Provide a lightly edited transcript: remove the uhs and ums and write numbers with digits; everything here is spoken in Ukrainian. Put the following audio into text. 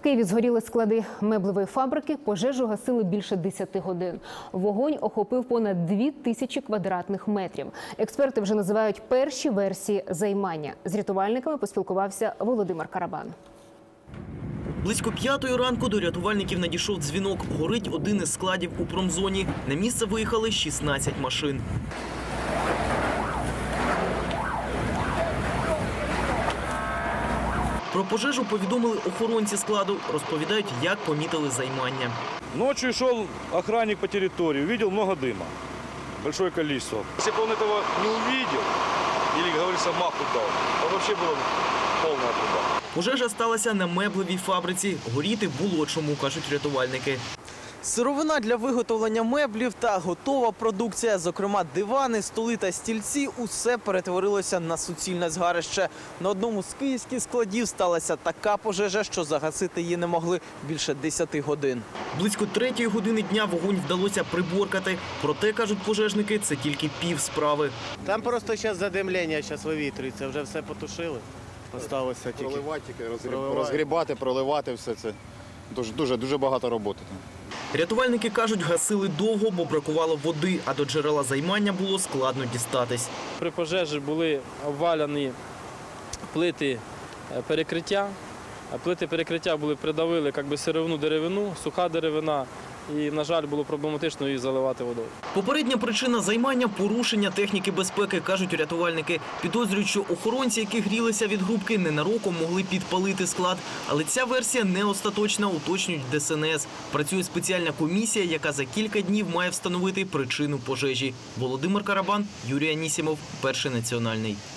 Києві згоріли склади меблевої фабрики, пожежу гасили більше 10 годин. Вогонь охопив понад 2000 квадратних метрів. Експерти вже називають перші версії займання. З рятувальниками поспілкувався Володимир Карабан. Близько 5-ї ранку до рятувальників надійшов дзвінок. Горить один із складів у промзоні. На місце виїхали 16 машин. Про пожежу повідомили охоронці складу. Розповідають, як помітили займання. Ночью шел охранник по территории, увидел много дыма, большое количество. Если бы он этого не увидел, или, как говорится, маху дал, то вообще была полная труба. Пожежа сталася на меблевій фабриці. Горіти було чому, кажуть рятувальники. Сировина для виготовлення меблів та готова продукція, зокрема дивани, столи та стільці – усе перетворилося на суцільне згарище. На одному з київських складів сталася така пожежа, що загасити її не могли більше 10 годин. Близько 3-ї години дня вогонь вдалося приборкати. Проте, кажуть пожежники, це тільки пів справи. Там просто зараз задимлення, зараз вивітрюється, вже все потушили. Осталося тільки проливати, розгрібати, проливати все це. Дуже багато роботи. Рятувальники кажуть, гасили довго, бо бракувало води, а до джерела займання було складно дістатись. При пожежі були обваляні плити перекриття. Плити перекриття придавили сировину деревину, суха деревина. І, на жаль, було проблематично її заливати водою. Попередня причина займання – порушення техніки безпеки, кажуть рятувальники. Підозрюють, що охоронці, які грілися від грубки, ненароком могли підпалити склад. Але ця версія не остаточна, уточнюють ДСНС. Працює спеціальна комісія, яка за кілька днів має встановити причину пожежі. Володимир Карабан, Юрій Анісімов, Перший національний.